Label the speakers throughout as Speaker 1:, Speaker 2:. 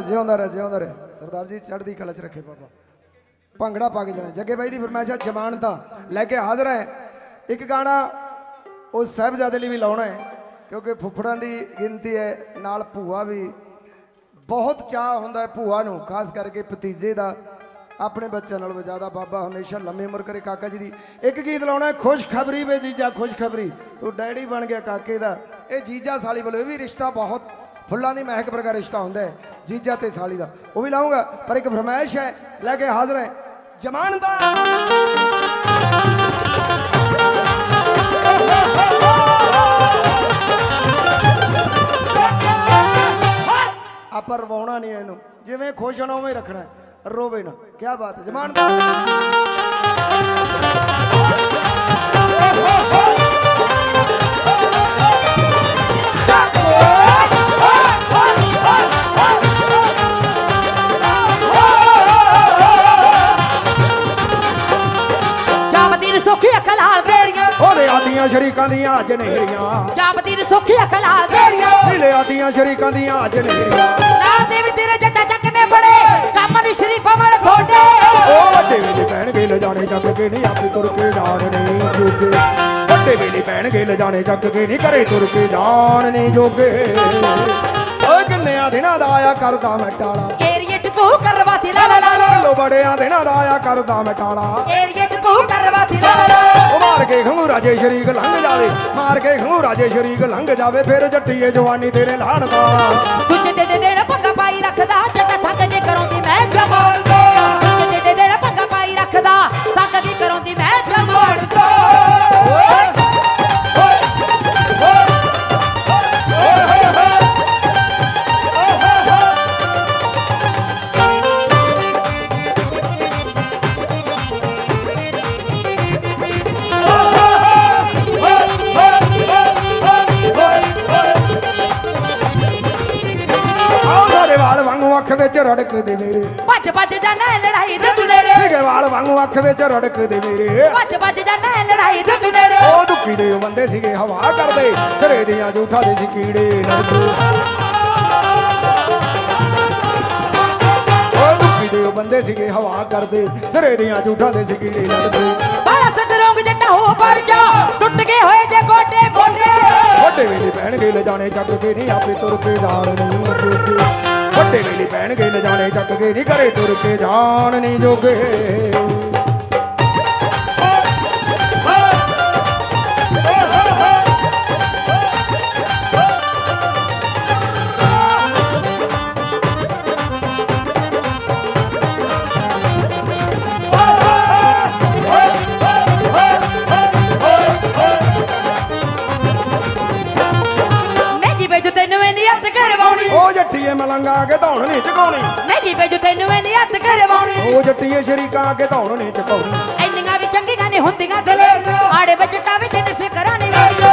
Speaker 1: ਜਿਉਂਦਾ ਰਹਿ ਜਿਉਂਦਾ ਰਹਿ ਸਰਦਾਰ ਜੀ ਚੜ੍ਹਦੀ ਕਲਾ ਚ ਰੱਖੇ ਬਾਬਾ ਭੰਗੜਾ ਪਾ ਕੇ ਜਾਣਾ ਜੱਗੇ ਬਾਈ ਦੀ ਫਰਮਾਇਸ਼ ਜਮਾਨਤਾਂ ਲੈ ਕੇ ਹਾਜ਼ਰ ਹੈ ਇੱਕ ਗਾਣਾ ਉਹ ਸਾਹਿਬਜ਼ਾਦੇ ਲਈ ਵੀ ਲਾਉਣਾ ਹੈ ਕਿਉਂਕਿ ਫੁੱਫੜਾਂ ਦੀ ਗਿਣਤੀ ਹੈ ਨਾਲ ਭੂਆ ਵੀ ਬਹੁਤ ਚਾਹ ਹੁੰਦਾ ਹੈ ਭੂਆ ਨੂੰ ਖਾਸ ਕਰਕੇ ਭਤੀਜੇ ਦਾ ਆਪਣੇ ਬੱਚਿਆਂ ਨਾਲੋਂ ਜ਼ਿਆਦਾ ਬਾਬਾ ਹਮੇਸ਼ਾ ਲੰਮੀ ਉਮਰ ਕਰੇ ਕਾਕਾ ਜੀ ਦੀ ਇੱਕ ਗੀਤ ਲਾਉਣਾ ਖੁਸ਼ਖਬਰੀ ਵੇ ਜੀਜਾ ਖੁਸ਼ਖਬਰੀ ਤੂੰ ਡੈਡੀ ਬਣ ਗਿਆ ਕਾਕੇ ਦਾ ਇਹ ਜੀਜਾ ਸਾਲੀ ਵੱਲੋਂ ਇਹ ਵੀ ਰਿਸ਼ਤਾ ਬਹੁਤ ਫੁੱਲਾਂ ਦੀ ਮਹਿਕ ਵਰਗਾ ਰਿਸ਼ਤਾ ਹੁੰਦਾ ਹੈ ਜੀਜਾ ਤੇ ਸਾਲੀ ਦਾ ਉਹ ਵੀ ਲਾਉਂਗਾ ਪਰ ਇੱਕ ਫਰਮਾਇਸ਼ ਹੈ ਲੈ ਕੇ ਹਾਜ਼ਰ ਹੈ ਜਮਾਨਦਾ ਆਪਾਂ ਰਵਾਉਣਾ ਨਹੀਂ ਇਹਨੂੰ ਜਿਵੇਂ ਖੁਸ਼ ਹੋਣਾ ਉਵੇਂ ਰੱਖਣਾ ਰੋਵੇ ਨਾ ਕੀ ਬਾਤ ਹੈ ਜਮਾਨਦਾ ਆਦੀਆਂ ਸ਼ਰੀਕਾਂ ਦੀਆਂ ਅੱਜ ਨਹਿਰੀਆਂ
Speaker 2: ਜਾਪਦੀ ਨੇ ਸੁੱਖੀ ਅਖਲਾਲ ਦੇਰੀਆਂ
Speaker 1: ਢਿਲੇ ਆਦੀਆਂ ਸ਼ਰੀਕਾਂ ਦੀਆਂ ਅੱਜ ਨਹਿਰੀਆਂ
Speaker 2: ਨਾਲ ਦੇ ਵੀ ਤੇਰੇ ਜੱਟਾ ਚੱਕ ਮੇ ਬੜੇ ਕੰਮ ਨਹੀਂ ਸ਼ਰੀਫਾਂ ਵਾਲੇ ਥੋੜੇ
Speaker 1: ਉਹ ਵੱਡੇ ਵੇਲੇ ਪੈਣਗੇ ਲਜਾਣੇ ਚੱਕ ਕੇ ਨਹੀਂ ਆਪੇ ਤੁਰ ਕੇ ਜਾਣ ਨਹੀਂ ਜੋਗੇ ਵੱਡੇ ਵੇਲੇ ਪੈਣਗੇ ਲਜਾਣੇ ਚੱਕ ਕੇ ਨਹੀਂ ਘਰੇ ਤੁਰ ਕੇ ਜਾਣ ਨਹੀਂ ਜੋਗੇ ਓਏ ਕਿੰਨਿਆਂ ਦਿਨਾਂ ਦਾ ਆਇਆ ਕਰਦਾ ਮੈਂ ਟਾਲਾ
Speaker 2: ਏਰੀਏ ਚ ਤੂੰ ਕਰਵਾਤੀ ਲਾ ਲਾ ਲਾ
Speaker 1: ਲੋ ਬੜਿਆਂ ਦਿਨਾਂ ਦਾ ਆਇਆ ਕਰਦਾ ਮੈਂ ਟਾਲਾ
Speaker 2: ਏਰੀਏ ਚ ਤੂੰ ਕਰਵਾਤੀ ਲਾ ਲਾ ਲਾ
Speaker 1: ਮਾਰ ਕੇ ਖੰਗੂਰਾ ਜੇ ਸ਼ਰੀਕ ਲੰਘ ਜਾਵੇ ਮਾਰ ਕੇ ਖੰਗੂਰਾ ਜੇ ਸ਼ਰੀਕ ਲੰਘ ਜਾਵੇ ਫਿਰ ਜੱਟੀਏ ਜਵਾਨੀ ਤੇਰੇ ਲਾਣ ਦਾ
Speaker 2: ਦੂਜੇ ਦੇ ਦੇਣ ਪੰਗਾ ਪਾਈ ਰੱਖਦਾ ਜੱਟਾ ਥੱਕ ਜੇ ਕਰਾਉਂਦੀ ਮੈਂ ਜਮਾਲ ਦਾ ਦੂਜੇ ਦੇ ਦੇਣ ਪੰਗਾ ਪਾਈ ਰੱਖਦਾ ਥੱਕ ਜੇ ਕਰਾਉਂਦੀ ਮੈਂ ਜਮਾਲ ਦਾ
Speaker 1: ਵਾਲ ਵਾਂਗੂ ਅੱਖ ਵਿੱਚ ਰੜਕਦੇ ਮੇਰੇ
Speaker 2: ਭੱਜ ਭੱਜ ਜਾਣਾ ਲੜਾਈ ਦੇ ਤੂੰ ਨੇੜੇ
Speaker 1: ਸਿਗੇ ਵਾਲ ਵਾਂਗੂ ਅੱਖ ਵਿੱਚ ਰੜਕਦੇ ਮੇਰੇ
Speaker 2: ਭੱਜ ਭੱਜ ਜਾਣਾ ਲੜਾਈ ਦੇ ਤੂੰ ਨੇੜੇ
Speaker 1: ਉਹ ਦੁੱਖੀ ਦੇ ਬੰਦੇ ਸੀਗੇ ਹਵਾ ਕਰਦੇ ਸਿਰੇ ਦੀਆਂ ਜੂਠਾਂ ਦੇ ਸੀ ਕੀੜੇ ਲੜਦੇ ਉਹ ਦੁੱਖੀ ਦੇ ਬੰਦੇ ਸੀਗੇ ਹਵਾ ਕਰਦੇ ਸਿਰੇ ਦੀਆਂ ਜੂਠਾਂ ਦੇ ਸੀ ਕੀੜੇ ਲੜਦੇ
Speaker 2: ਬਾਲਾ ਸੱਟ ਰੋਂਗ ਜੱਟਾ ਹੋ ਪਰ ਜਾ ਟੁੱਟ ਗਏ ਹੋਏ ਜੇ ਗੋਡੇ ਮੋਢੇ
Speaker 1: ਵੱਡੇ ਵੇਲੇ ਪੈਣਗੇ ਲਜਾਣੇ ਚੱਕ ਕੇ ਨਹੀਂ ਆਪੇ ਤੁਰ ਕੇ ਜਾਣ ਨਹੀਂ ਜੋਗੇ ਵੱਡੇ ਵੇਲੇ ਪੈਣਗੇ ਲਜਾਣੇ ਚੱਕ ਕੇ ਨਹੀਂ ਘਰੇ ਤੁਰ ਕੇ ਜਾਣ ਨਹੀਂ ਜੋਗੇ ਉਹ ਜੱਟੀਏ ਮਲੰਗਾ ਕੇ ਧੌਣ ਨਹੀਂ ਚਕਾਉਣੀ
Speaker 2: ਨਹੀਂ ਵੇਜੋ ਤੈਨੂੰ ਇਹ ਨਹੀਂ ਹੱਥ ਕਰਵਾਉਣੀ
Speaker 1: ਉਹ ਜੱਟੀਏ ਸ਼ਰੀਕਾਂ ਕੇ ਧੌਣ ਨਹੀਂ ਚਕਾਉਣੀ
Speaker 2: ਇੰਨੀਆਂ ਵੀ ਚੰਗੀਆਂ ਨੇ ਹੁੰਦੀਆਂ ਦਲੇ ਆੜੇ ਬਜਟਾ ਵੀ ਤੈਨੂੰ ਫਿਕਰਾਂ ਨਹੀਂ ਵੇਜੋ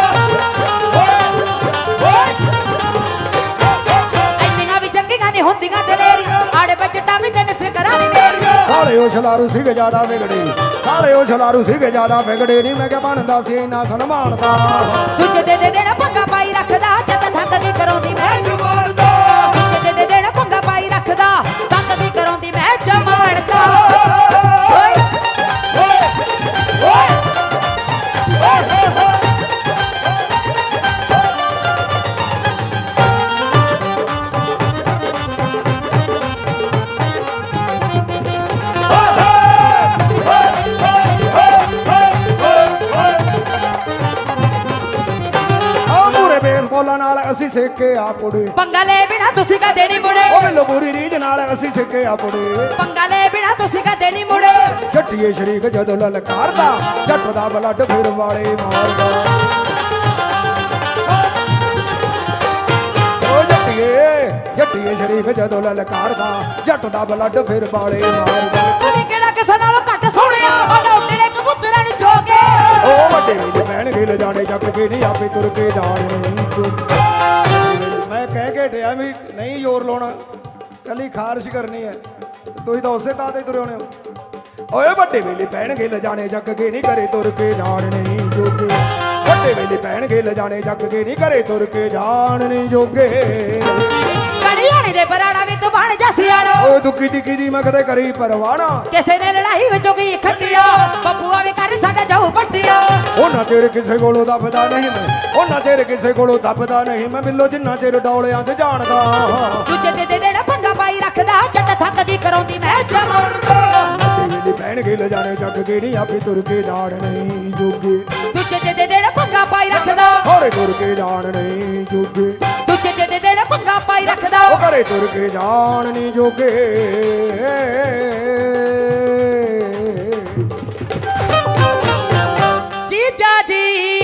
Speaker 2: ਇੰਨੀਆਂ ਵੀ ਚੰਗੀਆਂ ਨੇ ਹੁੰਦੀਆਂ ਦਲੇਰੀ ਆੜੇ ਬਜਟਾ ਵੀ ਤੈਨੂੰ ਫਿਕਰਾਂ ਨਹੀਂ ਵੇਜੋ
Speaker 1: ਸਾਲੇ ਉਹ ਛਲਾਰੂ ਸੀਗੇ ਜ਼ਿਆਦਾ ਵਿਗੜੇ ਸਾਲੇ ਉਹ ਛਲਾਰੂ ਸੀਗੇ ਜ਼ਿਆਦਾ ਵਿਗੜੇ ਨਹੀਂ ਮੈਂ ਕਿਹਾ ਬਣਦਾ ਸੀ ਇੰਨਾ ਸਨਮਾਨਦਾ
Speaker 2: ਦੂਜੇ ਦੇ ਦੇਣਾ ਪੰਗਾ ਪਾਈ ਰੱਖਦਾ ਜਦ ਥੱਕ ਕੇ ਕਰਾਉਂਦੀ ਮੈਂ ਜਮਾਲਦਾ ਦੂਜੇ ਦੇ ਦੇਣਾ ਪੰਗਾ ਪਾਈ ਰੱਖਦਾ ਥੱਕ ਕੇ ਕਰਾਉਂਦੀ ਮੈਂ ਜਮਾਲਦਾ ਓਏ ਓਏ ਓਏ
Speaker 1: ਬੋਲਾਂ ਨਾਲ ਅਸੀਂ ਸਿੱਕੇ ਆ ਪੁੜੇ
Speaker 2: ਪੰਗਾ ਲੈ ਬਿਨਾ ਤੁਸੀਂ ਕਦੇ ਨਹੀਂ ਮੁੜੇ
Speaker 1: ਉਹ ਮੈਨੂੰ ਪੂਰੀ ਰੀਝ ਨਾਲ ਅਸੀਂ ਸਿੱਕੇ ਆ ਪੁੜੇ
Speaker 2: ਪੰਗਾ ਲੈ ਬਿਨਾ ਤੁਸੀਂ ਕਦੇ ਨਹੀਂ ਮੁੜੇ
Speaker 1: ਜੱਟੀਏ ਸ਼ਰੀਕ ਜਦੋਂ ਲਲਕਾਰਦਾ ਜੱਟ ਦਾ ਬਲੱਡ ਫਿਰ ਵਾਲੇ ਮਾਰਦਾ ਉਹ ਜੱਟੀਏ ਸ਼ਰੀਕ ਜਦੋਂ ਲਲਕਾਰਦਾ ਜੱਟ ਦਾ ਬਲੱਡ ਫਿਰ ਵਾਲੇ ਮਾਰਦਾ
Speaker 2: ਤੂੰ ਕਿਹੜਾ ਕਿਸੇ ਨਾਲੋਂ ਘੱਟ ਸੋਹਣਿਆ ਉਹਦਾ ਉੱਡਣੇ ਕਬੂਤਰਾਂ ਨੂੰ ਝੋਕੇ
Speaker 1: ਉਹ ਵੱਡੇ ਵੇਲੇ ਪੈਣਗੇ ਲਜਾਣੇ ਚੱਕ ਕੇ ਨਹੀਂ ਆਪੇ ਤੁਰ ਕੇ ਜਾਣ ਨਹੀਂ ਮੈਂ ਕਹਿ ਕੇ ਟਿਆ ਵੀ ਨਹੀਂ ਜ਼ੋਰ ਲਾਉਣਾ ਕੱਲੀ ਖਾਰਸ਼ ਕਰਨੀ ਹੈ ਤੁਸੀਂ ਤਾਂ ਉਸੇ ਤਾਂ ਤੇ ਤੁਰੇ ਹੋਣੇ ਹੋ ਓਏ ਵੱਡੇ ਵੇਲੇ ਪੈਣਗੇ ਲਜਾਣੇ ਚੱਕ ਕੇ ਨਹੀਂ ਘਰੇ ਤੁਰ ਕੇ ਜਾਣ ਨਹੀਂ ਜੋਗੇ ਵੱਡੇ ਵੇਲੇ ਪੈਣਗੇ ਲਜਾਣੇ ਚੱਕ ਕੇ ਨਹੀਂ ਘਰੇ ਤੁਰ ਕੇ ਜਾਣ ਨਹੀਂ ਜੋਗੇ
Speaker 2: ਕੜੀਆਣੇ ਦੇ ਬਰਾੜਾ ਵੀ ਤੂੰ ਬਣ ਜਾ ਸਿਆਣਾ
Speaker 1: ਓਏ ਦੁੱਕੀ ਟਿੱਕੀ ਦੀ ਮੈਂ ਕਦੇ ਕਰੀ ਪਰਵਾਣਾ
Speaker 2: ਕਿਸੇ ਨੇ ਲੜਾਈ ਵਿੱਚੋਂ ਕੀ ਖੱਟਿਆ ਬੱਬੂਆ ਵੀ ਕਰ ਸਾਡਾ ਜਾਊ ਪੱਟਿਆ
Speaker 1: ਉਹਨਾਂ ਚਿਰ ਕਿਸੇ ਕੋਲੋਂ ਦੱਬਦਾ ਨਹੀਂ ਮੈਂ ਉਹਨਾਂ ਚਿਰ ਕਿਸੇ ਕੋਲੋਂ ਦੱਬਦਾ ਨਹੀਂ ਮੈਂ ਬਿੱਲੋ ਜਿੰਨਾ ਚਿਰ ਡੌਲਿਆਂ 'ਚ ਜਾਣਦਾ
Speaker 2: ਦੂਜੇ ਦੇ ਦੇਣਾ ਪੰਗਾ ਪਾਈ ਰੱਖਦਾ ਜੱਟ ਥੱਕ ਗਈ ਕਰਾਉਂਦੀ ਮੈਂ ਜਮਾਨਦਾ
Speaker 1: ਵੇਲੀ ਪੈਣ ਕੇ ਲਜਾਣੇ ਚੱਕ ਕੇ ਨਹੀਂ ਆਪੇ ਤੁਰ ਕੇ ਜਾਣ ਨਹੀਂ ਜੋਗੇ
Speaker 2: ਦੂਜੇ ਦੇ ਦੇਣਾ ਪੰਗਾ ਪਾਈ ਰੱਖਦਾ
Speaker 1: ਹੋਰੇ ਤੁਰ ਕੇ ਜਾਣ ਨਹੀਂ ਜੋਗੇ
Speaker 2: ਦੂਜੇ ਦੇ ਦੇਣਾ ਪੰਗਾ ਪਾਈ ਰੱਖਦਾ
Speaker 1: ਉਹ ਘਰੇ ਤੁਰ ਕੇ ਜਾਣ ਨਹੀਂ ਜੋਗੇ
Speaker 2: ਜੀਜਾ ਜੀ